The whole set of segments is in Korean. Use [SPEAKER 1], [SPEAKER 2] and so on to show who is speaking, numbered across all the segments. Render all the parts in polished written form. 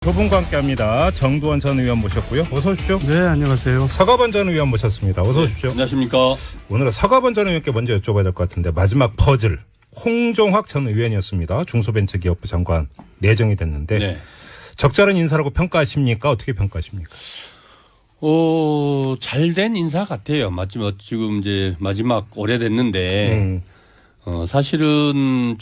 [SPEAKER 1] 두 분과 함께합니다. 정두원 전 의원 모셨고요. 어서 오십시오.
[SPEAKER 2] 네, 안녕하세요.
[SPEAKER 1] 서가번 전 의원 모셨습니다. 어서 오십시오.
[SPEAKER 3] 안녕하십니까.
[SPEAKER 1] 오늘은 서가번 전 의원께 먼저 여쭤봐야 될 것 같은데 마지막 퍼즐 홍종학 전 의원이었습니다. 중소벤처기업부 장관 내정이 됐는데
[SPEAKER 3] 네.
[SPEAKER 1] 적절한 인사라고 평가하십니까? 어떻게 평가하십니까?
[SPEAKER 3] 잘된 인사 같아요. 마지막 지금 이제 마지막 오래됐는데 사실은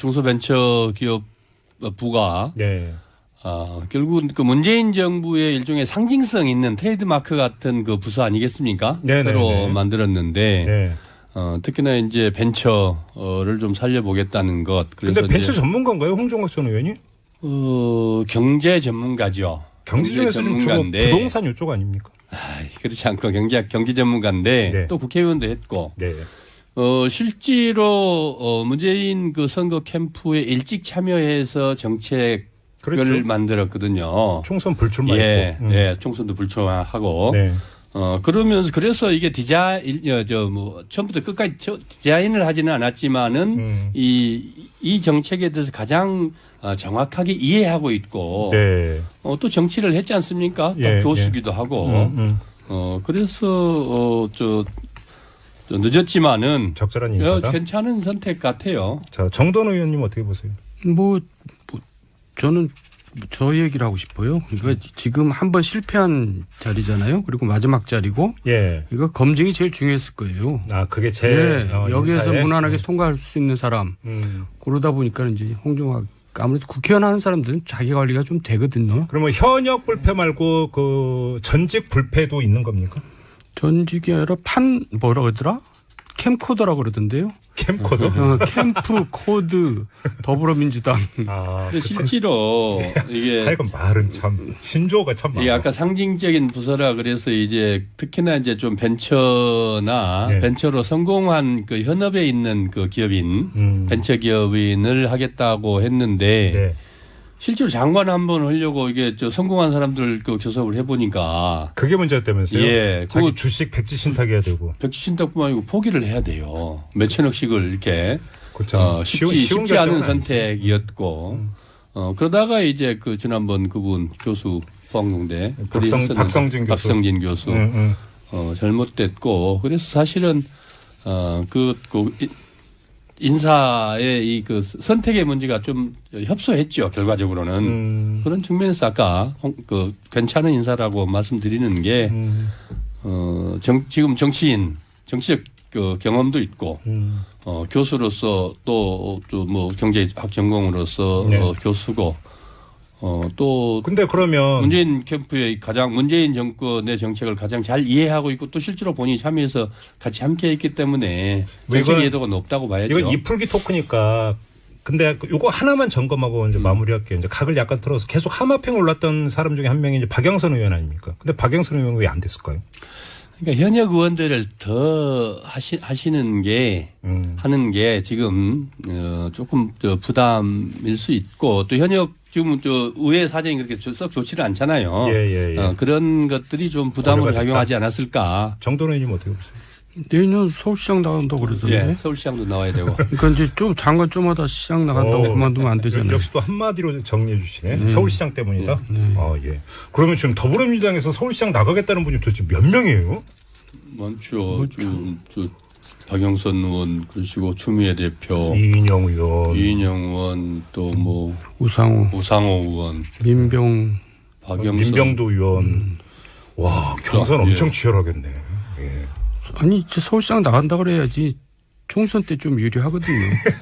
[SPEAKER 3] 중소벤처기업부가
[SPEAKER 1] 네.
[SPEAKER 3] 결국은 그 문재인 정부의 일종의 상징성 있는 트레이드마크 같은 그 부서 아니겠습니까?
[SPEAKER 1] 네네네.
[SPEAKER 3] 새로 만들었는데
[SPEAKER 1] 네.
[SPEAKER 3] 특히나 이제 벤처를 좀 살려보겠다는 것. 그래서
[SPEAKER 1] 근데 벤처 전문가인가요? 홍종학 전 의원이?
[SPEAKER 3] 경제 전문가죠.
[SPEAKER 1] 경제 중에서 좀 주로 부동산 이쪽 아닙니까?
[SPEAKER 3] 그렇지 않고 경제 전문가인데
[SPEAKER 1] 네.
[SPEAKER 3] 또 국회의원도 했고.
[SPEAKER 1] 네.
[SPEAKER 3] 실제로 문재인 그 선거 캠프에 일찍 참여해서 정책을
[SPEAKER 1] 그렇죠.
[SPEAKER 3] 만들었거든요.
[SPEAKER 1] 총선 불출마했고.
[SPEAKER 3] 예, 총선도 불출마하고.
[SPEAKER 1] 네.
[SPEAKER 3] 그러면서 그래서 이게 처음부터 끝까지 디자인을 하지는 않았지만은 이 정책에 대해서 가장 정확하게 이해하고 있고.
[SPEAKER 1] 네.
[SPEAKER 3] 또 정치를 했지 않습니까?
[SPEAKER 1] 예,
[SPEAKER 3] 또 교수기도 하고. 그래서 늦었지만은
[SPEAKER 1] 적절한 인사다.
[SPEAKER 3] 괜찮은 선택 같아요.
[SPEAKER 1] 자, 정돈 의원님 어떻게 보세요?
[SPEAKER 2] 저는 저 얘기를 하고 싶어요. 이거 지금 한번 실패한 자리잖아요. 그리고 마지막 자리고.
[SPEAKER 1] 예.
[SPEAKER 2] 이거 검증이 제일 중요했을 거예요.
[SPEAKER 1] 그게 제일
[SPEAKER 2] 여기에서
[SPEAKER 1] 인사에?
[SPEAKER 2] 무난하게 통과할 수 있는 사람. 그러다 보니까 이제 홍종학 아무래도 국회의원 하는 사람들은 자기 관리가 좀 되거든요.
[SPEAKER 1] 그러면 현역 불패 말고 그 전직 불패도 있는 겁니까?
[SPEAKER 2] 전직이 아니라 뭐라 그러더라? 캠코더라고 그러던데요.
[SPEAKER 1] 캠코더?
[SPEAKER 2] 캠프 코드 더불어민주당.
[SPEAKER 3] 근데 실제로 이게
[SPEAKER 1] 하여간 말은 참 신조어가 참 많아.
[SPEAKER 3] 이게 아까 상징적인 부서라 그래서 이제 특히나 이제 좀 벤처나
[SPEAKER 1] 네.
[SPEAKER 3] 벤처로 성공한 그 현업에 있는 그 기업인 벤처 기업인을 하겠다고 했는데
[SPEAKER 1] 네.
[SPEAKER 3] 실제로 장관 한번 하려고 이게 성공한 사람들 그 교섭을 해보니까
[SPEAKER 1] 그게 문제였다면서요?
[SPEAKER 3] 예,
[SPEAKER 1] 자기
[SPEAKER 3] 그거
[SPEAKER 1] 주식 백지 신탁해야 되고.
[SPEAKER 3] 백지 신탁뿐만 아니고 포기를 해야 돼요. 몇천억씩을 이렇게 쉽지 않은 선택이었고 그러다가 이제 그 지난번 그분 교수 포항동대 박성진 교수 잘못됐고 그래서 사실은 인사의 이 그 선택의 문제가 좀 협소했죠. 결과적으로는 그런 측면에서 아까 괜찮은 인사라고 말씀드리는 게 지금 정치적 그 경험도 있고 교수로서 또 뭐 경제학 전공으로서
[SPEAKER 1] 네.
[SPEAKER 3] 교수고 또
[SPEAKER 1] 근데 그러면
[SPEAKER 3] 문재인 캠프의 문재인 정권의 정책을 가장 잘 이해하고 있고 또 실제로 본인이 참여해서 같이 함께했기 때문에 정책 이해도가 높다고 봐야죠.
[SPEAKER 1] 이건 이풀기 토크니까. 근데 이거 하나만 점검하고 이제 마무리할게요. 이제 각을 약간 틀어서 계속 하마평 올랐던 사람 중에 한 명이 이제 박영선 의원 아닙니까? 근데 박영선 의원은 왜 안 됐을까요?
[SPEAKER 3] 그러니까 현역 의원들을 더 하는 게 지금 조금 부담일 수 있고 또 현역 지금 의회 사정이 그렇게 썩 좋지를 않잖아요.
[SPEAKER 1] 예.
[SPEAKER 3] 그런 것들이 좀 부담으로 작용하지 않았을까.
[SPEAKER 1] 정돈 의원님 어떻게 보세요?
[SPEAKER 2] 내년 서울시장 나간다고 그러던데.
[SPEAKER 3] 예, 서울시장도 나와야 되고.
[SPEAKER 2] 그러니까 이제 좀 장관 좀 하다 시장 나간다고 그만두면 안 되잖아요.
[SPEAKER 1] 역시 또 한마디로 정리해 주시네. 서울시장 때문이다. 예. 그러면 지금 더불어민주당에서 서울시장 나가겠다는 분이 도대체 몇 명이에요?
[SPEAKER 3] 많죠. 박영선 의원 그러시고 추미애 대표,
[SPEAKER 1] 이인영
[SPEAKER 3] 의원 또 뭐 우상호 의원,
[SPEAKER 1] 민병도 의원. 와, 경선 엄청 치열하겠네. 예.
[SPEAKER 2] 아니 이제 서울시장 나간다 그래야지 총선 때 좀 유리하거든요.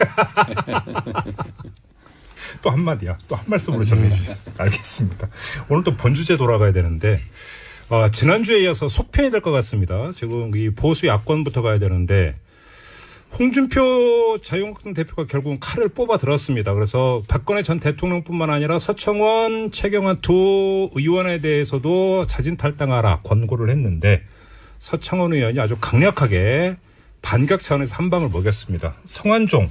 [SPEAKER 1] 또 한마디야. 또 한 말씀으로 정리해 주셨어요. 알겠습니다. 오늘 또 본주제 돌아가야 되는데 지난주에 이어서 속편이 될 것 같습니다. 지금 이 보수 야권부터 가야 되는데 홍준표 자유한국당 대표가 결국은 칼을 뽑아 들었습니다. 그래서 박근혜 전 대통령뿐만 아니라 서청원, 최경환 두 의원에 대해서도 자진 탈당하라 권고를 했는데 서청원 의원이 아주 강력하게 반격 차원에서 한 방을 먹였습니다. 성완종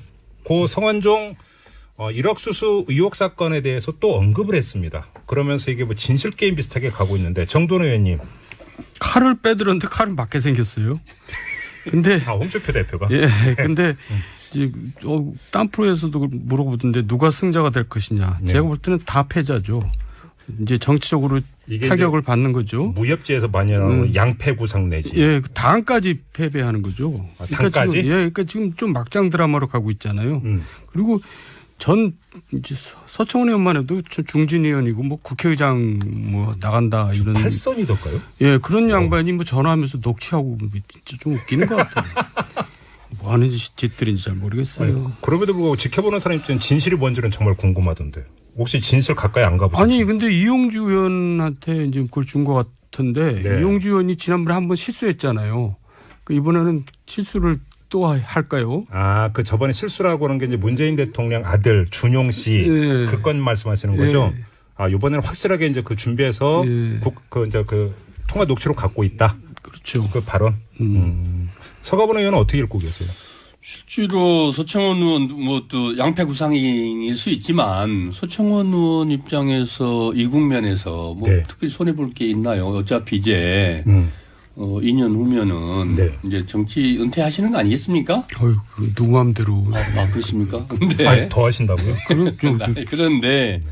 [SPEAKER 1] 1억 수수 의혹 사건에 대해서 또 언급을 했습니다. 그러면서 이게 뭐 진실 게임 비슷하게 가고 있는데 정돈 의원님.
[SPEAKER 2] 칼을 빼들었는데 칼은 맞게 생겼어요. 근데
[SPEAKER 1] 홍준표 대표가.
[SPEAKER 2] 예. 근데 이제 딴 프로에서도 물어보던데 누가 승자가 될 것이냐.
[SPEAKER 1] 네.
[SPEAKER 2] 제가 볼 때는 다 패자죠. 이제 정치적으로 타격을 받는 거죠.
[SPEAKER 1] 무협지에서 많이 나오는 양패구상 내지.
[SPEAKER 2] 예, 당까지 패배하는 거죠.
[SPEAKER 1] 아, 당까지?
[SPEAKER 2] 그러니까 지금 좀 막장 드라마로 가고 있잖아요. 그리고 전 이제 서청원 의원만 해도 중진 의원이고 뭐 국회의장 뭐 나간다 이런
[SPEAKER 1] 8선이던가요?
[SPEAKER 2] 예, 그런 양반이 뭐 전화하면서 녹취하고 진짜 좀 웃기는 것 같아요. 뭐 하는 짓들인지 잘 모르겠어요.
[SPEAKER 1] 아니, 그럼에도 불구하고 지켜보는 사람 입장에 진실이 뭔지는 정말 궁금하던데. 혹시 진실 가까이 안 가보셨어요?
[SPEAKER 2] 아니 근데 이용주 의원한테 이제 그걸 준 것 같은데
[SPEAKER 1] 네.
[SPEAKER 2] 이용주 의원이 지난번에 한번 실수했잖아요. 그 이번에는 실수를 또 할까요?
[SPEAKER 1] 아, 그 저번에 실수라고 하는 게 이제 문재인 대통령 아들 준용 씨
[SPEAKER 2] 네.
[SPEAKER 1] 그 건 말씀하시는 거죠?
[SPEAKER 2] 네.
[SPEAKER 1] 아, 이번에는 확실하게 이제 그 준비해서
[SPEAKER 2] 네.
[SPEAKER 1] 그 통화 녹취록 갖고 있다.
[SPEAKER 2] 그렇죠.
[SPEAKER 1] 그 발언. 서가번 의원은 어떻게 읽고 계세요?
[SPEAKER 3] 실제로 서청원 의원 뭐 또 양패구상일 수 있지만 서청원 의원 입장에서 이 국면에서 뭐
[SPEAKER 1] 네.
[SPEAKER 3] 특별히 손해 볼 게 있나요? 어차피 이제 2년 후면은
[SPEAKER 1] 네.
[SPEAKER 3] 이제 정치 은퇴하시는 거 아니겠습니까?
[SPEAKER 2] 어휴, 누구 마음대로.
[SPEAKER 3] 그렇습니까? 근데
[SPEAKER 1] 아니, 더 하신다고요?
[SPEAKER 3] 그런데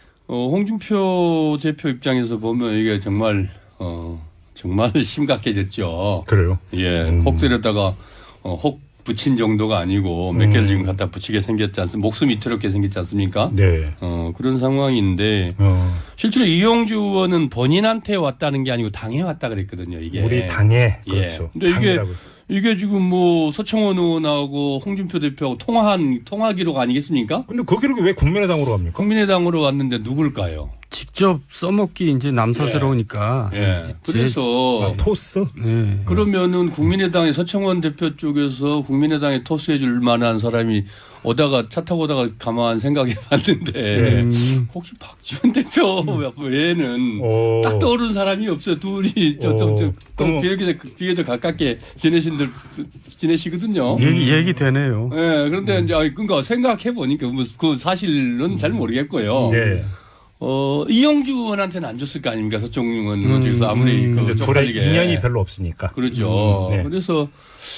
[SPEAKER 3] 홍준표 대표 입장에서 보면 이게 정말 정말 심각해졌죠.
[SPEAKER 1] 그래요?
[SPEAKER 3] 예, 혹 때렸다가 혹 붙인 정도가 아니고 몇 개를 지금 갖다 붙이게 생겼지 않습니까? 목숨이 이토록 생겼지 않습니까?
[SPEAKER 1] 네.
[SPEAKER 3] 그런 상황인데 실제로 이용주 의원은 본인한테 왔다는 게 아니고 당에 왔다 그랬거든요. 이게
[SPEAKER 1] 우리 당에
[SPEAKER 3] 예.
[SPEAKER 1] 그렇죠.
[SPEAKER 3] 근데
[SPEAKER 1] 당이라고.
[SPEAKER 3] 이게 지금 뭐 서청원 의원하고 홍준표 대표하고 통화 기록 아니겠습니까?
[SPEAKER 1] 근데 그 기록이 왜 국민의당으로 갑니까?
[SPEAKER 3] 국민의당으로 왔는데 누굴까요?
[SPEAKER 2] 직접 써먹기 이제 남사스러우니까.
[SPEAKER 3] 예. 그래서
[SPEAKER 1] 토스?
[SPEAKER 2] 네.
[SPEAKER 3] 그러면은 국민의당의 서청원 대표 쪽에서 국민의당에 토스해 줄 만한 사람이 오다가 차 타고 오다가 가만 생각해 봤는데 혹시 박지원 대표 외에는 딱 떠오르는 사람이 없어요. 둘이 좀 비교적 가깝게 지내시거든요.
[SPEAKER 2] 얘기 되네요.
[SPEAKER 3] 네, 그런데 이제 그러니까 생각해 보니까 그 사실은 잘 모르겠고요.
[SPEAKER 1] 네.
[SPEAKER 3] 이용주 의원한테는 안 줬을 거 아닙니까? 서청원 의원 쪽에서 아무리
[SPEAKER 1] 이제 둘의 인연이 별로 없으니까.
[SPEAKER 3] 그렇죠.
[SPEAKER 1] 네.
[SPEAKER 3] 그래서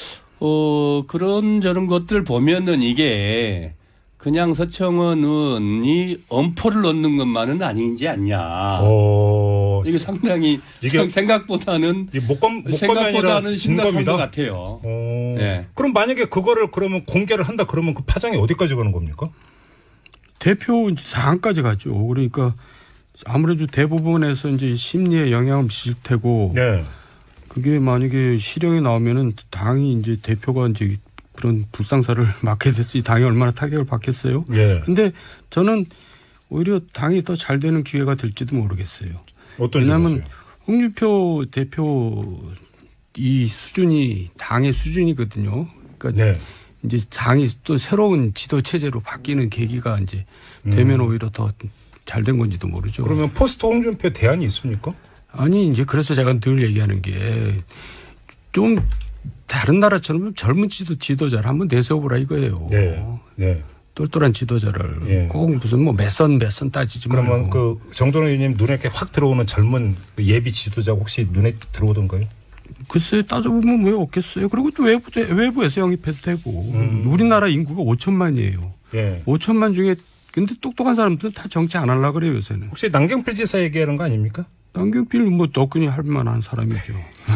[SPEAKER 3] 그런 저런 것들 보면은 이게 그냥 서청원 의원이 엄포를 넣는 것만은 아니지 않냐. 이게 상당히 생각보다는
[SPEAKER 1] 목검이
[SPEAKER 3] 심각한 것 같아요.
[SPEAKER 1] 네. 그럼 만약에 그거를 그러면 공개를 한다 그러면 그 파장이 어디까지 가는 겁니까?
[SPEAKER 2] 대표 당까지 가죠. 그러니까 아무래도 대부분에서 이제 심리에 영향을 미칠 테고.
[SPEAKER 1] 네.
[SPEAKER 2] 그게 만약에 실형이 나오면은 당이 이제 대표가 이제 그런 불상사를 맡게 됐으니 당이 얼마나 타격을 받겠어요.
[SPEAKER 1] 예.
[SPEAKER 2] 근데 저는 오히려 당이 더 잘 되는 기회가 될지도 모르겠어요. 왜냐하면 홍준표 대표 이 수준이 당의 수준이거든요. 그러니까
[SPEAKER 1] 네.
[SPEAKER 2] 이제 당이 또 새로운 지도 체제로 바뀌는 계기가 이제 되면 오히려 더 잘 된 건지도 모르죠.
[SPEAKER 1] 그러면 포스트 홍준표 대안이 있습니까?
[SPEAKER 2] 아니 이제 그래서 제가 늘 얘기하는 게 좀 다른 나라처럼 젊은 지도자를 한번 내세워보라 이거예요.
[SPEAKER 1] 네. 네.
[SPEAKER 2] 똘똘한 지도자를
[SPEAKER 1] 네.
[SPEAKER 2] 꼭 무슨 뭐 몇 선 따지지 말고.
[SPEAKER 1] 그러면 그 정동영 의원님 눈에 이렇게 확 들어오는 젊은 예비 지도자 혹시 눈에 들어오던가요?
[SPEAKER 2] 글쎄 따져보면 왜 없겠어요. 그리고 또 외부에서 영입해도 되고. 우리나라 인구가 5천만이에요.
[SPEAKER 1] 예.
[SPEAKER 2] 5천만 중에 근데 똑똑한 사람들은 다 정치 안 하려고 그래요 요새는.
[SPEAKER 1] 혹시 남경필 지사 얘기하는 거 아닙니까?
[SPEAKER 2] 남경필 뭐 너끈히 할 만한 사람이죠.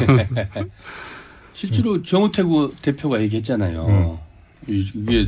[SPEAKER 3] 실제로 정우택 대표가 얘기했잖아요. 이게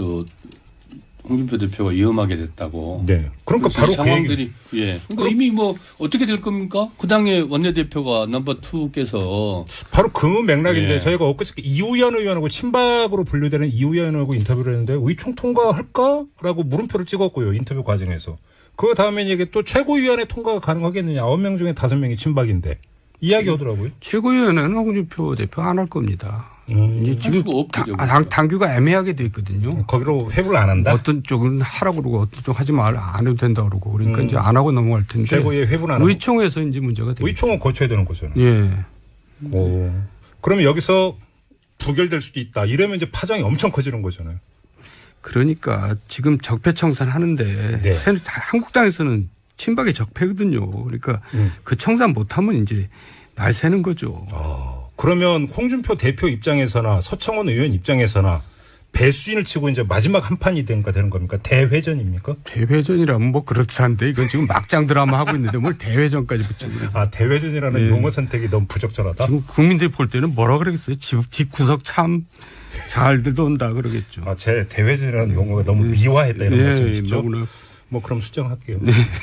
[SPEAKER 3] 홍준표 대표가 위험하게 됐다고.
[SPEAKER 1] 네. 그러니까 바로
[SPEAKER 3] 상황들이 그러니까 이미 뭐 어떻게 될 겁니까? 그 당의 원내대표가 넘버 2께서
[SPEAKER 1] 바로 그 맥락인데 저희가 엊그저께 이우현 의원하고 친박으로 분류되는 이우현 의원하고 인터뷰를 했는데 의총 통과할까라고 물음표를 찍었고요. 인터뷰 과정에서. 그 다음에 이게 또 최고위원회 통과가 가능하겠느냐. 9명 중에 5명이 친박인데 이야기하더라고요.
[SPEAKER 2] 최고위원회는 홍준표 대표 안 할 겁니다. 이제 지금 당규가 애매하게 돼 있거든요.
[SPEAKER 1] 거기로 회부를 안 한다.
[SPEAKER 2] 어떤 쪽은 하라고 그러고 어떤 쪽 하지 말 안 해도 된다 그러고 그러니까 이제 안 하고 넘어갈 텐데.
[SPEAKER 1] 최고위의 회부는 안 하고.
[SPEAKER 2] 의총에서 이제 문제가 되죠.
[SPEAKER 1] 의총은 거쳐야 되는 거잖아요.
[SPEAKER 2] 예.
[SPEAKER 1] 그러면 여기서 부결될 수도 있다. 이러면 이제 파장이 엄청 커지는 거잖아요.
[SPEAKER 2] 그러니까 지금 적폐청산 하는데 한국당에서는 친박의 적폐거든요. 그러니까 그 청산 못하면 이제 날 새는 거죠.
[SPEAKER 1] 그러면 홍준표 대표 입장에서나 서청원 의원 입장에서나 배수진을 치고 이제 마지막 한 판이 되는 겁니까? 대회전입니까?
[SPEAKER 2] 대회전이라면 뭐 그렇다는데 이건 지금 막장 드라마 하고 있는데 뭘 대회전까지 붙이고.
[SPEAKER 1] 아, 대회전이라는
[SPEAKER 2] 네.
[SPEAKER 1] 용어 선택이 너무 부적절하다?
[SPEAKER 2] 지금 국민들이 볼 때는 뭐라 그러겠어요? 집구석 참 잘들 온다 그러겠죠.
[SPEAKER 1] 아, 제 대회전이라는 용어가 너무 미화했다 이런 말씀이시죠?
[SPEAKER 2] 너무나.
[SPEAKER 1] 뭐 그럼 수정할게요.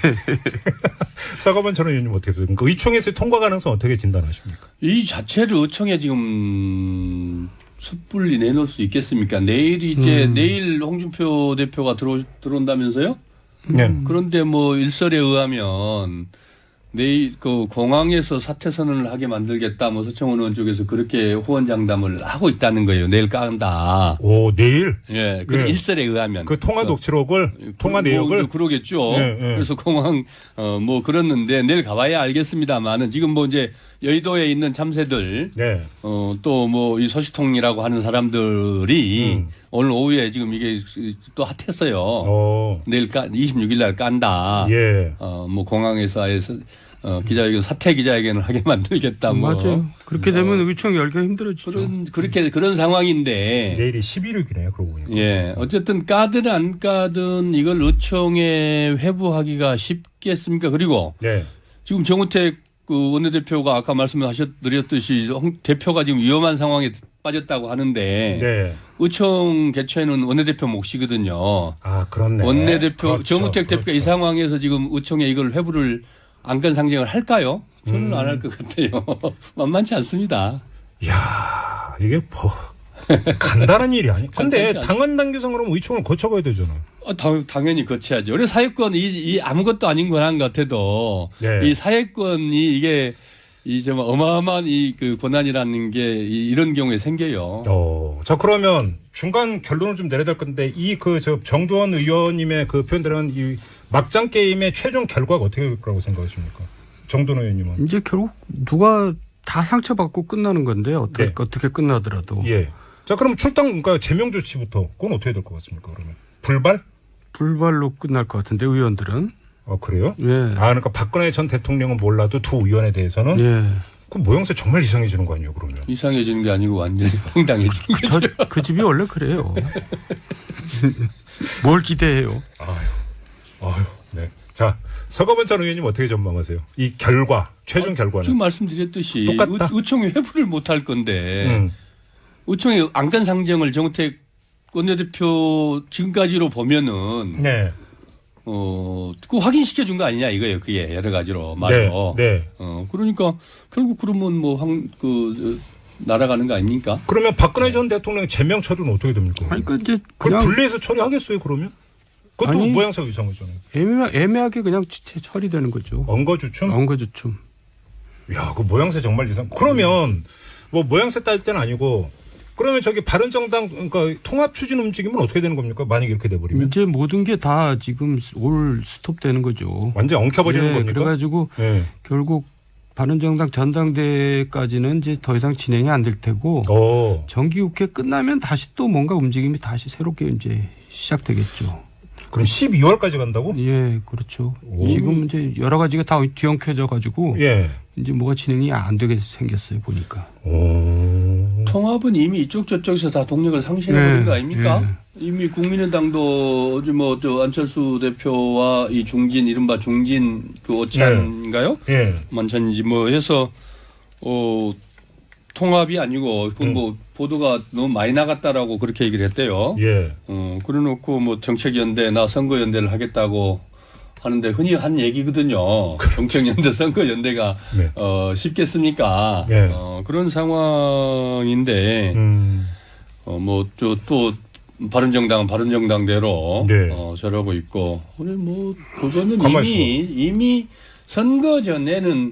[SPEAKER 1] 사과반 전 의원님 어떻게 됩니까? 의총에서 통과 가능성 어떻게 진단하십니까?
[SPEAKER 3] 이 자체를 의총에 지금 섣불리 내놓을 수 있겠습니까? 내일 이제 내일 홍준표 대표가 들어온다면서요?
[SPEAKER 1] 네.
[SPEAKER 3] 그런데 뭐 일설에 의하면 내일 그 공항에서 사퇴 선언을 하게 만들겠다. 뭐 서청원 의원 쪽에서 그렇게 호언장담을 하고 있다는 거예요. 내일 깐다.
[SPEAKER 1] 오, 내일?
[SPEAKER 3] 예, 그
[SPEAKER 1] 네.
[SPEAKER 3] 일설에 의하면
[SPEAKER 1] 그 통화 녹취록을, 통화 내역을?
[SPEAKER 3] 뭐 그러겠죠.
[SPEAKER 1] 네, 네.
[SPEAKER 3] 그래서 공항 뭐 그랬는데 내일 가봐야 알겠습니다만은 지금 뭐 이제 여의도에 있는 참새들
[SPEAKER 1] 네.
[SPEAKER 3] 또 뭐 이 소식통이라고 하는 사람들이 오늘 오후에 지금 이게 또 핫했어요. 내일 26일 날 깐다.
[SPEAKER 1] 예.
[SPEAKER 3] 뭐 공항에서 아예 기자회견 사퇴 기자회견을 하게 만들겠다. 뭐.
[SPEAKER 2] 맞아요. 그렇게 되면 의총 열기가 힘들어지죠.
[SPEAKER 3] 그런 상황인데.
[SPEAKER 1] 내일이 11일이네요. 그러고 보니까.
[SPEAKER 3] 예. 어쨌든 까든 안 까든 이걸 의총에 회부하기가 쉽겠습니까? 그리고
[SPEAKER 1] 네.
[SPEAKER 3] 지금 정우택 그 원내대표가 아까 말씀드렸듯이 대표가 지금 위험한 상황에 빠졌다고 하는데.
[SPEAKER 1] 네.
[SPEAKER 3] 의총 개최는 원내대표 몫이거든요.
[SPEAKER 1] 아, 그렇네.
[SPEAKER 3] 원내대표
[SPEAKER 1] 그렇죠.
[SPEAKER 3] 정우택 대표가 이 상황에서 지금 의총에 이걸 회부를 안건 상정을 할까요? 저는 안 할 것 같아요. 만만치 않습니다.
[SPEAKER 1] 이야, 이게 뭐 간단한 일이 아니에요. 근데 당헌 당규상으로 의총을 거쳐가야 되잖아요.
[SPEAKER 3] 당연히 거쳐야죠. 우리 사회권 이 아무것도 아닌 권한 같아도
[SPEAKER 1] 네.
[SPEAKER 3] 이 사회권이 이게 이 정말 어마어마한 이 그 권한이라는 게 이런 경우에 생겨요.
[SPEAKER 1] 자, 그러면 중간 결론을 좀 내려야 될 건데 이 그 저 정두원 의원님의 그 표현들은 이 막장 게임의 최종 결과가 어떻게 될 거라고 생각하십니까? 정두원 의원님은.
[SPEAKER 2] 이제 결국 누가 다 상처받고 끝나는 건데
[SPEAKER 1] 네.
[SPEAKER 2] 어떻게 끝나더라도.
[SPEAKER 1] 예. 자, 그럼 출당 그러니까 제명 조치부터 그건 어떻게 될 것 같습니까? 그러면
[SPEAKER 2] 불발로 끝날 것 같은데 의원들은.
[SPEAKER 1] 그래요?
[SPEAKER 2] 예.
[SPEAKER 1] 그러니까 박근혜 전 대통령은 몰라도 두 의원에 대해서는
[SPEAKER 2] 예.
[SPEAKER 1] 그 모양새 정말 이상해지는 거 아니에요, 그러면?
[SPEAKER 3] 이상해지는 게 아니고 완전히 황당해지는 거죠.
[SPEAKER 2] 그 집이 원래 그래요. 뭘 기대해요?
[SPEAKER 1] 아유, 네. 자, 서거번 전 의원님 어떻게 전망하세요? 이 결과, 최종 결과는?
[SPEAKER 3] 지금 말씀드렸듯이
[SPEAKER 1] 똑같다.
[SPEAKER 3] 의총이 회부를 못 할 건데 의총의 안건 상정을 정우택 원내대표 지금까지로 보면은
[SPEAKER 1] 네.
[SPEAKER 3] 그 확인시켜 준 거 아니냐 이거예요. 그게 여러 가지로 말로.
[SPEAKER 1] 네.
[SPEAKER 3] 그러니까 결국 그러면 뭐 날아가는 거 아닙니까?
[SPEAKER 1] 그러면 박근혜 전 대통령 제명 처리는 어떻게 됩니까?
[SPEAKER 2] 아니, 이제
[SPEAKER 1] 그걸 분리해서 처리하겠어요, 그러면? 그것도
[SPEAKER 2] 아니,
[SPEAKER 1] 모양새 이상하잖아요.
[SPEAKER 2] 애매하게 그냥 처리되는 거죠.
[SPEAKER 1] 엉거주춤?
[SPEAKER 2] 엉거주춤.
[SPEAKER 1] 야, 그 모양새 정말 이상. 그러면 뭐 모양새 따질 때는 아니고 그러면 저기 바른정당 그러니까 통합 추진 움직임은 어떻게 되는 겁니까? 만약 이렇게 돼버리면
[SPEAKER 2] 이제 모든 게 다 지금 올 스톱되는 거죠.
[SPEAKER 1] 완전 엉켜버리는 겁니까?
[SPEAKER 2] 그래가지고 결국 바른정당 전당대회까지는 이제 더 이상 진행이 안 될 테고 정기국회 끝나면 다시 또 뭔가 움직임이 다시 새롭게 이제 시작되겠죠.
[SPEAKER 1] 그럼 12월까지 간다고?
[SPEAKER 2] 예, 그렇죠. 지금 이제 여러 가지가 다 뒤엉켜져 가지고 이제 뭐가 진행이 안 되게 생겼어요 보니까.
[SPEAKER 3] 통합은 이미 이쪽 저쪽에서 다 동력을 상실해버린 거 아닙니까? 이미 국민의당도 어제 뭐 안철수 대표와 이 중진 이른바 중진 그 오찬인가요? 만찬인지 뭐 해서 통합이 아니고 그건 뭐 보도가 너무 많이 나갔다라고 그렇게 얘기를 했대요. 그래놓고 뭐 정책연대나 선거연대를 하겠다고 하는데 흔히 한 얘기거든요. 정책연대 선거연대가 쉽겠습니까? 그런 상황인데 뭐 또 바른정당은 바른정당대로 저러고 있고 우리 뭐 그거는 이미 선거 전에는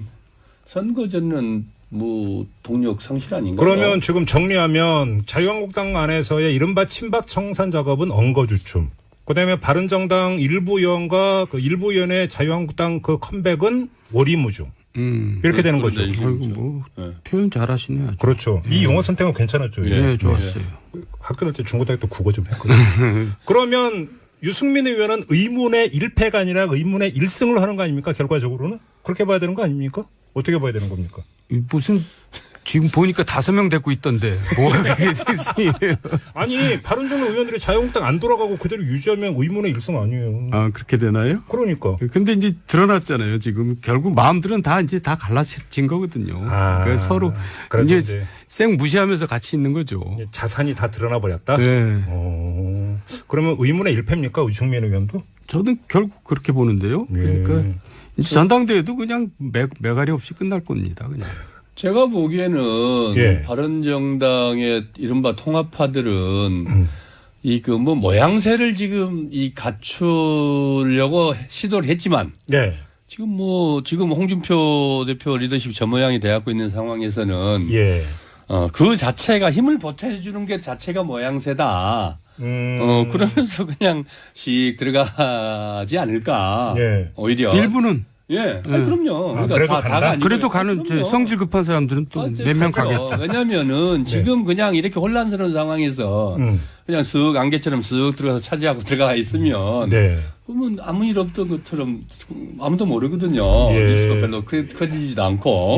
[SPEAKER 3] 뭐 동력 상실 아닌가요?
[SPEAKER 1] 그러면 지금 정리하면 자유한국당 안에서의 이른바 친박 청산 작업은 엉거주춤. 그다음에 바른정당 일부 의원과 그 일부 의원의 자유한국당 그 컴백은 오리무중. 이렇게 되는 거죠.
[SPEAKER 2] 아이고 뭐 표현 잘하시네요. 아주.
[SPEAKER 1] 그렇죠. 이 용어 선택은 괜찮았죠.
[SPEAKER 2] 네, 좋았어요.
[SPEAKER 1] 학교 다닐 때 중고등학교 때 국어 좀 했거든요. 그러면 유승민 의원은 의문의 1패가 아니라 의문의 1승을 하는 거 아닙니까? 결과적으로는 그렇게 봐야 되는 거 아닙니까? 어떻게 봐야 되는 겁니까?
[SPEAKER 2] 무슨 지금 보니까 5명 데리고 있던데. 뭐가 그게 세상이에요.
[SPEAKER 1] 아니 바른정당 의원들이 자유한국당 안 돌아가고 그대로 유지하면 의문의 일성 아니에요.
[SPEAKER 2] 아 그렇게 되나요?
[SPEAKER 1] 그러니까.
[SPEAKER 2] 근데 이제 드러났잖아요. 지금 결국 마음들은 다 이제 다 갈라진 거거든요. 그러니까 서로 이제 쌩 무시하면서 같이 있는 거죠.
[SPEAKER 1] 자산이 다 드러나 버렸다.
[SPEAKER 2] 네.
[SPEAKER 1] 그러면 의문의 일패입니까 우중민 의원도?
[SPEAKER 2] 저는 결국 그렇게 보는데요. 그러니까 이제 전당대회도 그냥 매가리 없이 끝날 겁니다. 그냥.
[SPEAKER 3] 제가 보기에는 바른정당의 이른바 통합파들은 이 그 뭐 모양새를 지금 이 갖추려고 시도를 했지만 지금 홍준표 대표 리더십이 저 모양이 돼갖고 있는 상황에서는 그 자체가 힘을 보태주는 게 자체가 모양새다. 그러면서 그냥 씩 들어가지 않을까. 오히려.
[SPEAKER 2] 일부는.
[SPEAKER 3] 그럼요.
[SPEAKER 1] 그러니까 다가 아니고.
[SPEAKER 2] 그래도 가는 성질 급한 사람들은 또 몇 명 가겠죠.
[SPEAKER 3] 왜냐면은 지금 그냥 이렇게 혼란스러운 상황에서 그냥 쓱 안개처럼 쓱 들어가서 차지하고 들어가 있으면 그러면 아무 일 없던 것처럼 아무도 모르거든요. 뉴스도 별로 커지지도 않고.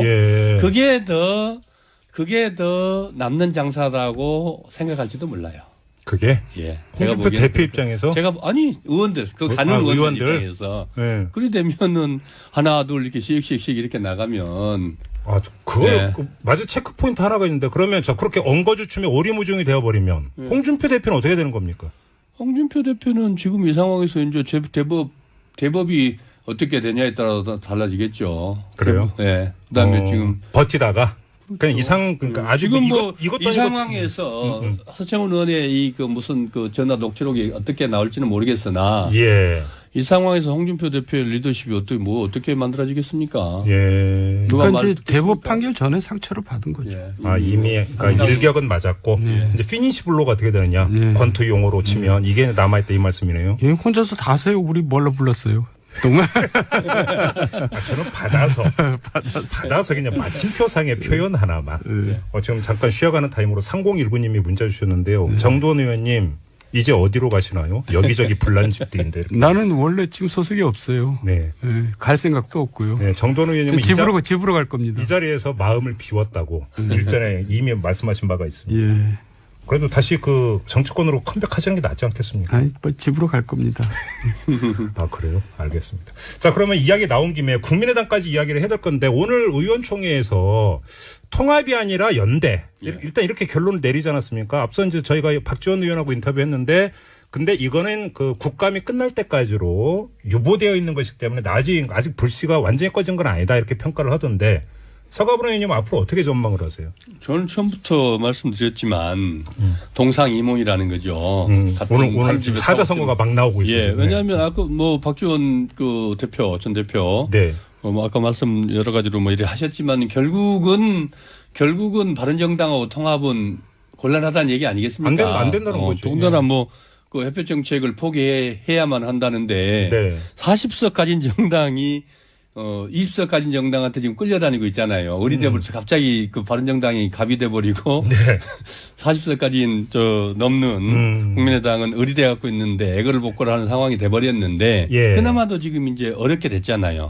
[SPEAKER 3] 그게 더 남는 장사라고 생각할지도 몰라요.
[SPEAKER 1] 그게? 홍준표 대표 입장에서?
[SPEAKER 3] 의원들, 가는 의원들 입장에서. 그리 되면은 하나, 둘 이렇게 씩씩씩 이렇게 나가면.
[SPEAKER 1] 맞아. 체크포인트 하나가 있는데 그러면 그렇게 엉거주춤에 오리무중이 되어버리면 홍준표 대표는 어떻게 되는 겁니까?
[SPEAKER 3] 홍준표 대표는 지금 이 상황에서 이제 대법이 어떻게 되냐에 따라 달라지겠죠.
[SPEAKER 1] 그래요?
[SPEAKER 3] 그다음에 지금.
[SPEAKER 1] 버티다가? 그러니까 아주
[SPEAKER 3] 지금 이 상황에서 서청원 의원의 무슨 전화 녹취록이 어떻게 나올지는 모르겠으나 이 상황에서 홍준표 대표의 리더십이 어떻게 만들어지겠습니까?
[SPEAKER 2] 그러니까 이제 대법 판결 전에 상처를 받은 거죠.
[SPEAKER 1] 이미 그러니까 일격은 맞았고 이제 피니시 블로가 어떻게 되느냐? 권투 용어로 치면 이게 남아있다 이 말씀이네요.
[SPEAKER 2] 혼자서 다 하세요. 우리 뭘로 불렀어요? 정말?
[SPEAKER 1] 저는 받아서 그냥 마침표상의 표현 하나만. 지금 잠깐 쉬어가는 타임으로 3019님이 문자 주셨는데요. 정도원 의원님 이제 어디로 가시나요? 여기저기 불난 집들인데.
[SPEAKER 2] 나는 원래 지금 소속이 없어요. 갈 생각도 없고요.
[SPEAKER 1] 정도원 의원님은
[SPEAKER 2] 집으로 갈 겁니다.
[SPEAKER 1] 이 자리에서 마음을 비웠다고 일전에 이미 말씀하신 바가 있습니다. 그래도 다시 정치권으로 컴백하시는 게 낫지 않겠습니까?
[SPEAKER 2] 집으로 갈 겁니다.
[SPEAKER 1] 그래요? 알겠습니다. 자, 그러면 이야기 나온 김에 국민의당까지 이야기를 해야 될 건데 오늘 의원총회에서 통합이 아니라 연대. 일단 이렇게 결론을 내리지 않았습니까? 앞서 이제 저희가 박지원 의원하고 인터뷰했는데 근데 이거는 국감이 끝날 때까지로 유보되어 있는 것이기 때문에 아직 불씨가 완전히 꺼진 건 아니다 이렇게 평가를 하던데 서가분 의원님 앞으로 어떻게 전망을 하세요?
[SPEAKER 3] 저는 처음부터 말씀드렸지만 동상이몽이라는 거죠.
[SPEAKER 1] 오늘 지금 사자선거가 막 나오고 있어요.
[SPEAKER 3] 왜냐하면 아까 박지원 전 대표 아까 말씀 여러 가지로 이렇게 하셨지만 결국은 바른정당하고 통합은 곤란하다는 얘기 아니겠습니까?
[SPEAKER 1] 안 된다는 거죠.
[SPEAKER 3] 더군다나 협회 정책을 포기해야만 한다는데 40석 가진 정당이 20석 가진 정당한테 지금 끌려다니고 있잖아요. 어리대부터 갑자기 바른정당이 갑이 돼버리고 40석 가진 넘는 국민의당은 어리대 갖고 있는데 애거를 복거를 하는 상황이 돼버렸는데 그나마도 지금 이제 어렵게 됐잖아요.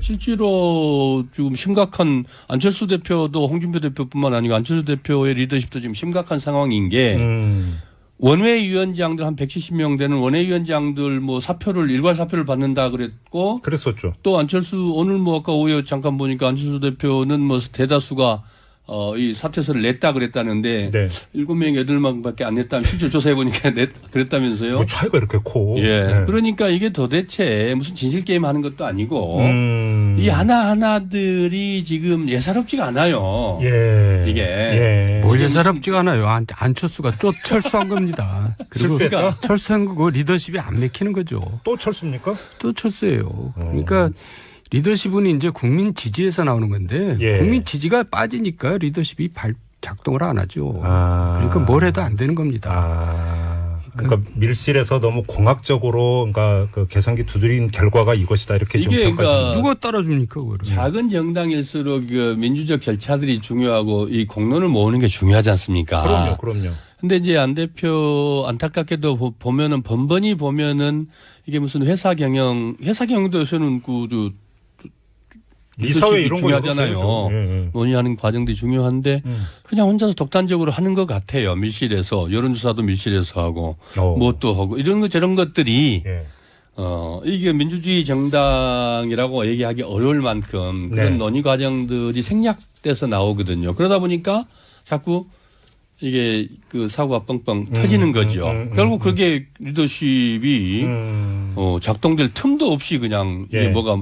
[SPEAKER 3] 실제로 지금 심각한 안철수 대표도 홍준표 대표뿐만 아니고 안철수 대표의 리더십도 지금 심각한 상황인 게 원외위원장들 한 170명 되는 원외위원장들 일괄 사표를 받는다 그랬었죠. 또 안철수 오늘 아까 오후에 잠깐 보니까 안철수 대표는 대다수가 이 사퇴서를 냈다 그랬다는데 7명, 8명밖에 안 냈다면 실제 조사해 보니까 그랬다면서요.
[SPEAKER 1] 차이가 이렇게 커.
[SPEAKER 3] 그러니까 이게 도대체 무슨 진실 게임 하는 것도 아니고 이 하나하나들이 지금 예사롭지가 않아요. 이게
[SPEAKER 2] 뭘 예사롭지가 않아요. 안철수가 철수한 겁니다. 그리고 철수한 거고 리더십이 안 맥히는 거죠.
[SPEAKER 1] 또 철수입니까?
[SPEAKER 2] 또 철수예요. 그러니까 리더십은 이제 국민 지지에서 나오는 건데 국민 지지가 빠지니까 리더십이 작동을 안 하죠. 그러니까 뭘 해도 안 되는 겁니다.
[SPEAKER 1] 그러니까 밀실에서 너무 공학적으로 계산기 두드린 결과가 이것이다 이렇게 지금 평가하시는
[SPEAKER 2] 누가 따라줍니까? 그거를.
[SPEAKER 3] 작은 정당일수록 민주적 절차들이 중요하고 이 공론을 모으는 게 중요하지 않습니까?
[SPEAKER 1] 그럼요.
[SPEAKER 3] 근데 이제 안 대표 안타깝게도 보면은 번번이 보면은 이게 무슨 회사 경영도 요새는
[SPEAKER 1] 이사회 이런 거
[SPEAKER 3] 중요하잖아요. 예. 논의하는 과정들이 중요한데 그냥 혼자서 독단적으로 하는 것 같아요. 밀실에서 여론조사도 밀실에서 하고 뭣도 하고 이런 것 저런 것들이 이게 민주주의 정당이라고 얘기하기 어려울 만큼 그런 논의 과정들이 생략돼서 나오거든요. 그러다 보니까 자꾸 이게 그 사고가 뻥뻥 터지는 거죠. 결국 그게 리더십이 작동될 틈도 없이 그냥 이게 뭐가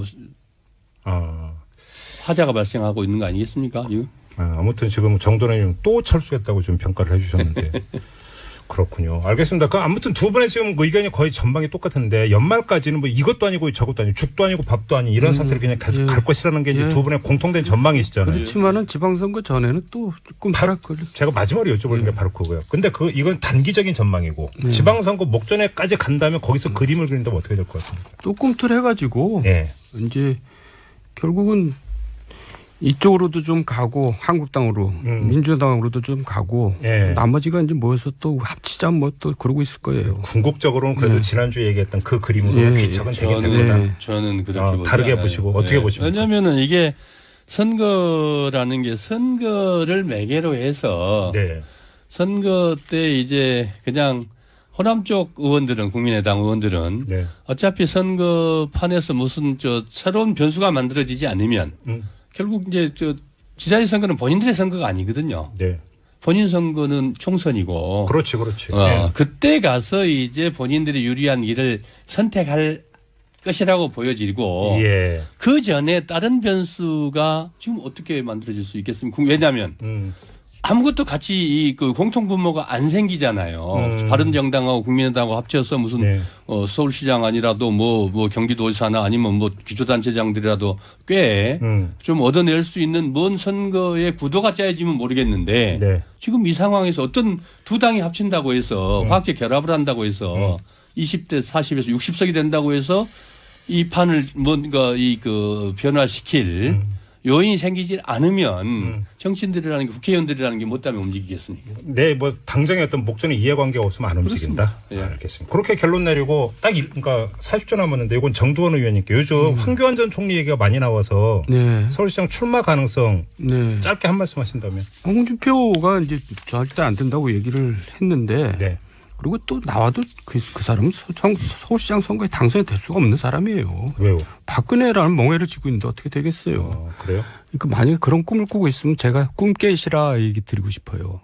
[SPEAKER 3] 화자가 발생하고 있는 거 아니겠습니까? 이거?
[SPEAKER 1] 아무튼 지금 정도는 또 철수했다고 좀 평가를 해주셨는데 그렇군요. 알겠습니다. 그 아무튼 두 분의 지금 의견이 거의 전망이 똑같은데 연말까지는 뭐 이것도 아니고 저것도 아니고 죽도 아니고 밥도 아닌 이런 상태로 그냥 계속 갈 것이라는 게 이제 두 분의 공통된 전망이시잖아요.
[SPEAKER 2] 그렇지만은 지방선거 전에는 또 꿈꾸락거려.
[SPEAKER 1] 제가 마지막으로 여쭤보는 게 바로 그거예요. 근데 이건 단기적인 전망이고 지방선거 목전에까지 간다면 거기서 그림을 그린다면 어떻게 될 것 같습니까?
[SPEAKER 2] 또 꿈틀해가지고 이제 결국은 이쪽으로도 좀 가고 한국당으로 민주당으로도 좀 가고 나머지가 이제 모여서 또 합치자 뭐 또 그러고 있을 거예요.
[SPEAKER 1] 궁극적으로는 그래도 지난주에 얘기했던 그 그림으로 귀착은 되게 됩니다.
[SPEAKER 3] 저는 그렇게
[SPEAKER 1] 다르게 보시고 어떻게 보십니까?
[SPEAKER 3] 왜냐하면은 이게 선거라는 게 선거를 매개로 해서 선거 때 이제 그냥 호남 쪽 의원들은 국민의당 의원들은 어차피 선거판에서 무슨 새로운 변수가 만들어지지 않으면 결국 이제 지자체 선거는 본인들의 선거가 아니거든요. 본인 선거는 총선이고.
[SPEAKER 1] 그렇지.
[SPEAKER 3] 그때 가서 이제 본인들이 유리한 길을 선택할 것이라고 보여지고 그 전에 다른 변수가 지금 어떻게 만들어질 수 있겠습니까? 왜냐하면 아무것도 같이 그 공통 분모가 안 생기잖아요. 바른정당하고 국민의당하고 합쳐서 무슨 서울시장 아니라도 뭐 경기도지사나 아니면 뭐 기초단체장들이라도 꽤 좀 얻어낼 수 있는 뭔 선거의 구도가 짜여지면 모르겠는데 지금 이 상황에서 어떤 두 당이 합친다고 해서 화학적 결합을 한다고 해서 20대 40에서 60석이 된다고 해서 이 판을 뭔가 그 변화시킬 요인이 생기지 않으면 정치인들이라는 게 국회의원들이라는 게 못하면 움직이겠습니까?
[SPEAKER 1] 뭐 당장의 어떤 목전에 이해관계가 없으면 안 움직인다. 알겠습니다. 그렇게 결론 내리고 딱 그러니까 40초 남았는데 이건 정두원 의원님께 요즘 황교안 전 총리 얘기가 많이 나와서 서울시장 출마 가능성 짧게 한 말씀 하신다면.
[SPEAKER 2] 홍준표가 이제 절대 안 된다고 얘기를 했는데 그리고 또 나와도 그 사람은 서울시장 선거에 당선이 될 수가 없는 사람이에요.
[SPEAKER 1] 왜요?
[SPEAKER 2] 박근혜라는 멍해를 쥐고 있는데 어떻게 되겠어요.
[SPEAKER 1] 그래요?
[SPEAKER 2] 그러니까 만약에 그런 꿈을 꾸고 있으면 제가 꿈 깨시라 얘기 드리고 싶어요.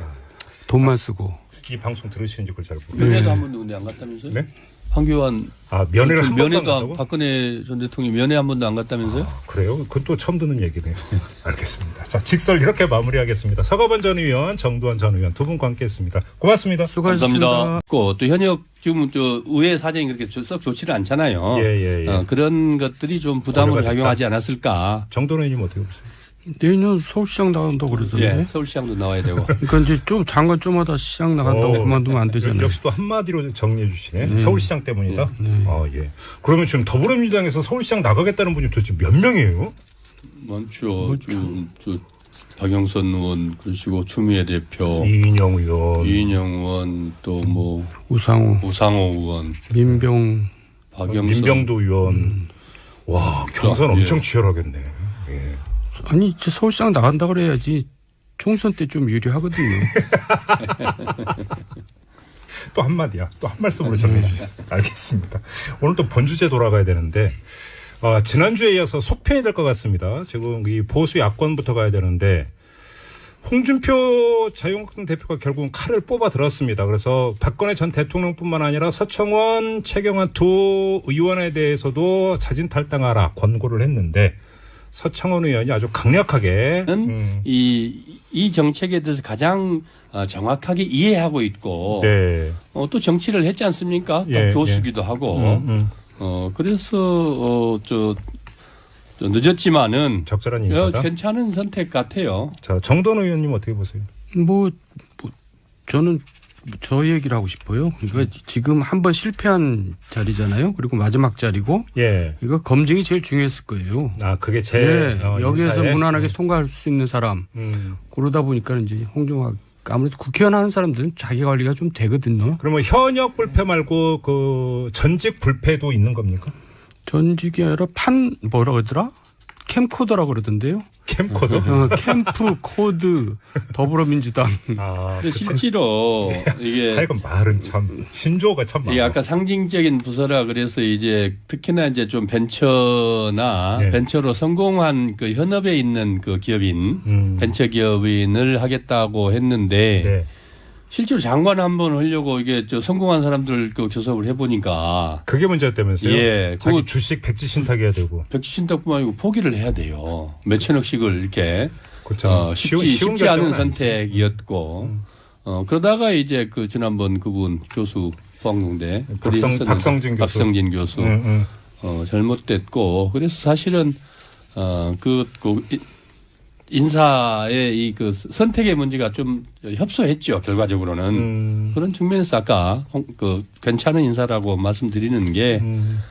[SPEAKER 2] 돈만 쓰고.
[SPEAKER 1] 이 방송 들으시는지 그걸 잘 모르겠어요.
[SPEAKER 3] 면회도 한 번도 안 갔다면서요? 황교안
[SPEAKER 1] 면회를 한 번도 안
[SPEAKER 3] 면회도
[SPEAKER 1] 갔다고?
[SPEAKER 3] 박근혜 전 대통령이 면회 한 번도 안 갔다면서요?
[SPEAKER 1] 그래요? 그건 또 처음 듣는 얘기네요. 알겠습니다. 자, 직설 이렇게 마무리하겠습니다. 서가번 전 의원, 정두원 전 의원 두 분과 함께했습니다. 고맙습니다.
[SPEAKER 2] 수고하셨습니다.
[SPEAKER 3] 감사합니다. 또 현역 지금 의회 사정이 그렇게 썩 좋지는 않잖아요. 그런 것들이 좀 부담으로 작용하지 않았을까.
[SPEAKER 1] 정두원 의원님 어떻게 보세요?
[SPEAKER 2] 내년 서울시장 나간다고 그러던데.
[SPEAKER 3] 서울시장도 나와야 되고.
[SPEAKER 2] 그러니까 이제 좀 장관 좀 하다 시장 나간다고 그만두면 안 되잖아요.
[SPEAKER 1] 역시 또 한마디로 정리해 주시네. 서울시장 때문이다. 그러면 지금 더불어민주당에서 서울시장 나가겠다는 분이 도대체 몇 명이에요?
[SPEAKER 3] 많죠. 박영선 의원 그러시고 추미애 대표,
[SPEAKER 1] 이인영 의원,
[SPEAKER 3] 또 뭐
[SPEAKER 2] 우상호
[SPEAKER 3] 의원,
[SPEAKER 1] 민병두 의원. 와, 경선 엄청 치열하겠네.
[SPEAKER 2] 아니 이제 서울시장 나간다 그래야지 총선 때 좀 유리하거든요.
[SPEAKER 1] 또 한마디야. 또 한 말씀으로 정리해 주셨어요. 알겠습니다. 오늘 또 본주제 돌아가야 되는데 지난주에 이어서 속편이 될 것 같습니다. 지금 이 보수 야권부터 가야 되는데 홍준표 자유한국당 대표가 결국은 칼을 뽑아 들었습니다. 그래서 박근혜 전 대통령뿐만 아니라 서청원, 최경환 두 의원에 대해서도 자진 탈당하라 권고를 했는데 서청원 의원이 아주 강력하게
[SPEAKER 3] 이 정책에 대해서 가장 정확하게 이해하고 있고 또 정치를 했지 않습니까? 또 교수기도 하고 그래서 늦었지만은
[SPEAKER 1] 적절한 인사다.
[SPEAKER 3] 괜찮은 선택 같아요.
[SPEAKER 1] 자, 정돈 의원님 어떻게 보세요?
[SPEAKER 2] 저는 저 얘기를 하고 싶어요. 그러니까 지금 한번 실패한 자리잖아요. 그리고 마지막 자리고 이거 검증이 제일 중요했을 거예요.
[SPEAKER 1] 그게 제일
[SPEAKER 2] 여기에서 무난하게 통과할 수 있는 사람. 그러다 보니까 이제 홍준표 아무래도 국회의원 하는 사람들은 자기 관리가 좀 되거든요.
[SPEAKER 1] 그러면 현역 불패 말고 그 전직 불패도 있는 겁니까?
[SPEAKER 2] 전직이 아니라 뭐라 그러더라? 캠코더라고 그러던데요.
[SPEAKER 1] 캠코더?
[SPEAKER 2] 캠프 코드 더불어민주당.
[SPEAKER 3] 근데 실제로 이게
[SPEAKER 1] 하여간 말은 참 신조어가 참 많아.
[SPEAKER 3] 이게 아까 상징적인 부서라 그래서 이제 특히나 이제 좀 벤처나
[SPEAKER 1] 네.
[SPEAKER 3] 벤처로 성공한 그 현업에 있는 그 기업인 벤처 기업인을 하겠다고 했는데
[SPEAKER 1] 네.
[SPEAKER 3] 실제로 장관 한번 하려고 이게 저 성공한 사람들 그 교섭을 해보니까
[SPEAKER 1] 그게 문제였다면서요?
[SPEAKER 3] 예,
[SPEAKER 1] 자기
[SPEAKER 3] 그
[SPEAKER 1] 주식 백지 신탁해야 되고.
[SPEAKER 3] 백지 신탁뿐만 아니고 포기를 해야 돼요. 몇천억씩을 이렇게
[SPEAKER 1] 그렇죠.
[SPEAKER 3] 쉽지 않은 선택이었고 그러다가 이제 그 지난번 그분 교수 포항농대 박성진 교수 잘못됐고 그래서 사실은 인사의 이 그 선택의 문제가 좀 협소했죠. 결과적으로는 그런 측면에서 아까 그 괜찮은 인사라고 말씀드리는 게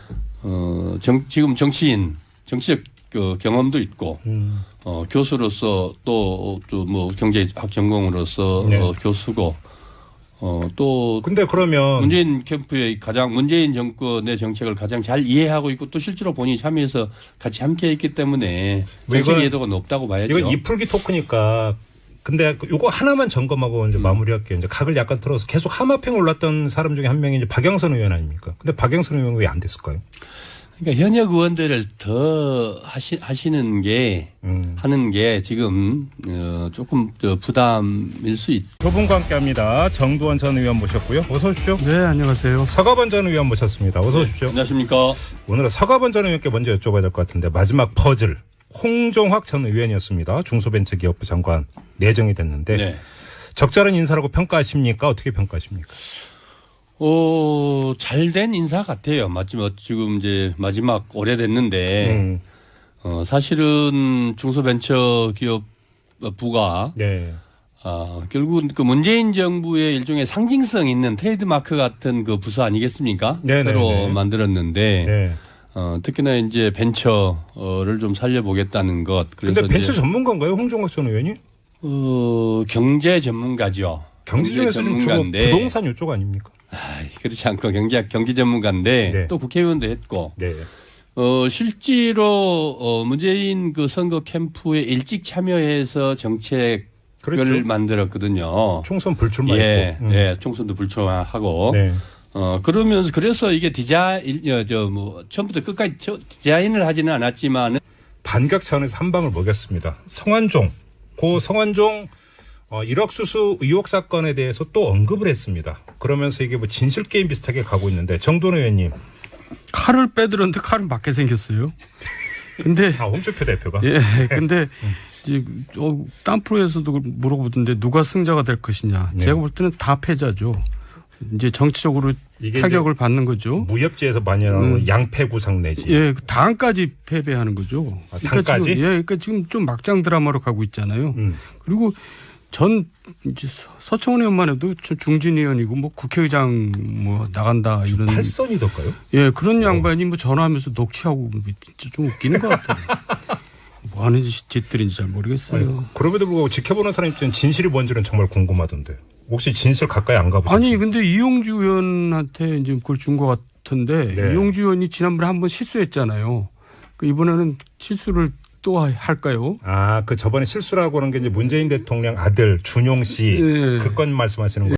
[SPEAKER 3] 지금 정치적 그 경험도 있고 교수로서 또 뭐 경제학 전공으로서
[SPEAKER 1] 네.
[SPEAKER 3] 교수고 또
[SPEAKER 1] 근데 그러면
[SPEAKER 3] 문재인 캠프의 문재인 정권의 정책을 가장 잘 이해하고 있고 또 실제로 본인이 참여해서 같이 함께 했기 때문에 정책 이해도가 높다고 봐야죠.
[SPEAKER 1] 이건 이풀기 토크니까 근데 요거 하나만 점검하고 이제 마무리할게요. 이제 각을 약간 틀어서 계속 하마평 올랐던 사람 중에 한 명이 이제 박영선 의원 아닙니까? 근데 박영선 의원은 왜 안 됐을까요?
[SPEAKER 3] 그러니까 현역 의원들을 더 하시는 게 하는 게 지금 조금 부담일 수 있죠.
[SPEAKER 1] 두 분과 함께합니다. 정두원 전 의원 모셨고요. 어서 오십시오.
[SPEAKER 2] 네, 안녕하세요.
[SPEAKER 1] 서가번 전 의원 모셨습니다. 어서 오십시오.
[SPEAKER 3] 안녕하십니까.
[SPEAKER 1] 오늘은 서가번 전 의원께 먼저 여쭤봐야 될 것 같은데 마지막 퍼즐 홍종학 전 의원이었습니다. 중소벤처기업부 장관 내정이 됐는데
[SPEAKER 3] 네.
[SPEAKER 1] 적절한 인사라고 평가하십니까? 어떻게 평가하십니까?
[SPEAKER 3] 잘된 인사 같아요. 마지막 지금 이제 마지막 오래됐는데 사실은 중소벤처기업부가
[SPEAKER 1] 네.
[SPEAKER 3] 결국은 그 문재인 정부의 일종의 상징성 있는 트레이드마크 같은 그 부서 아니겠습니까?
[SPEAKER 1] 네네네.
[SPEAKER 3] 새로 만들었는데
[SPEAKER 1] 네.
[SPEAKER 3] 특히나 이제 벤처를 좀 살려보겠다는 것.
[SPEAKER 1] 그런데 벤처 전문가인가요, 홍종학 전 의원이?
[SPEAKER 3] 경제 전문가죠.
[SPEAKER 1] 경제 중에서는 주로 부동산 이쪽 아닙니까?
[SPEAKER 3] 그렇지 않고 경제 전문가인데
[SPEAKER 1] 네.
[SPEAKER 3] 또 국회의원도 했고.
[SPEAKER 1] 네.
[SPEAKER 3] 실제로 문재인 그 선거 캠프에 일찍 참여해서 정책을
[SPEAKER 1] 그렇죠.
[SPEAKER 3] 만들었거든요.
[SPEAKER 1] 총선 불출마했고.
[SPEAKER 3] 예, 총선도 불출마하고.
[SPEAKER 1] 네.
[SPEAKER 3] 그러면서 그래서 이게 처음부터 끝까지 디자인을 하지는 않았지만
[SPEAKER 1] 반격 차원에서 한 방을 먹였습니다. 성완종. 고 성완종 1억 수수 의혹 사건에 대해서 또 언급을 했습니다. 그러면서 이게 뭐 진실 게임 비슷하게 가고 있는데 정돈 의원님.
[SPEAKER 2] 칼을 빼들었는데 칼은 맞게 생겼어요. 근데
[SPEAKER 1] 홍준표 대표가.
[SPEAKER 2] 예, 근데 이제 딴 프로에서도 물어보던데 누가 승자가 될 것이냐.
[SPEAKER 1] 네.
[SPEAKER 2] 제가 볼 때는 다 패자죠. 이제 정치적으로 타격을 받는 거죠.
[SPEAKER 1] 무협지에서 많이 나오는 양패구상 내지.
[SPEAKER 2] 예, 당까지 패배하는 거죠.
[SPEAKER 1] 당까지?
[SPEAKER 2] 그러니까 지금 좀 막장 드라마로 가고 있잖아요. 그리고 전 이제 서청원 의원만 해도 중진 의원이고 뭐 국회의장 뭐 나간다 이런.
[SPEAKER 1] 팔선이던가요?
[SPEAKER 2] 예, 그런 양반이 뭐 전화하면서 녹취하고 진짜 좀 웃기는 것 같아요. 뭐 하는 짓들인지 잘 모르겠어요.
[SPEAKER 1] 아니, 그럼에도 불구하고 지켜보는 사람 입장에 진실이 뭔지는 정말 궁금하던데. 혹시 진실 가까이 안 가보셨어요?
[SPEAKER 2] 아니 근데 이용주 의원한테 이제 그걸 준 것 같은데
[SPEAKER 1] 네.
[SPEAKER 2] 이용주 의원이 지난번에 한번 실수했잖아요. 이번에는 실수를 또 할까요?
[SPEAKER 1] 그 저번에 실수라고 하는 게 이제 문재인 대통령 아들 준용 씨
[SPEAKER 2] 네.
[SPEAKER 1] 그 건 말씀하시는 거예요?